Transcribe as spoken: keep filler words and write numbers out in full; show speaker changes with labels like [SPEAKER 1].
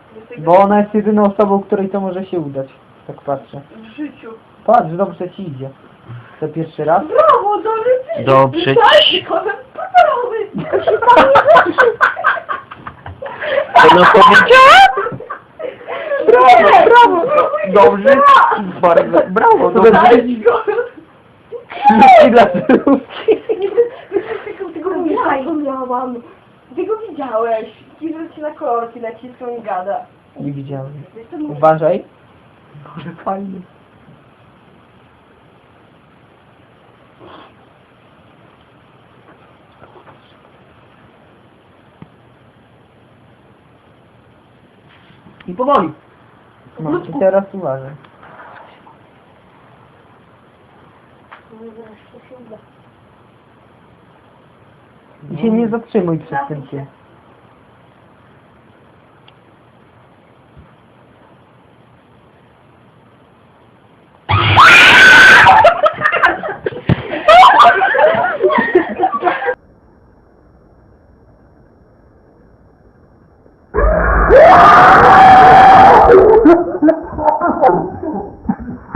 [SPEAKER 1] Bo ona jest jedyną osobą, której to może się udać. Tak patrzę.
[SPEAKER 2] W życiu.
[SPEAKER 1] Patrz, dobrze ci idzie. To pierwszy raz.
[SPEAKER 2] Brawo, dobrze ci.
[SPEAKER 3] Dobrze ci. Co no powiedziałem?
[SPEAKER 1] Brawo, brawo! Dobrze, bardzo, brawo, dobrze. Śliwki dla surówki.
[SPEAKER 2] Tego miałam, miałam. Ty go widziałeś. Kiwał ci na kolorki, naciskał i gada.
[SPEAKER 1] Nie widziałem. Uważaj. Może fajnie. I powoli. No i teraz uważaj. I się nie zatrzymuj przed tym się.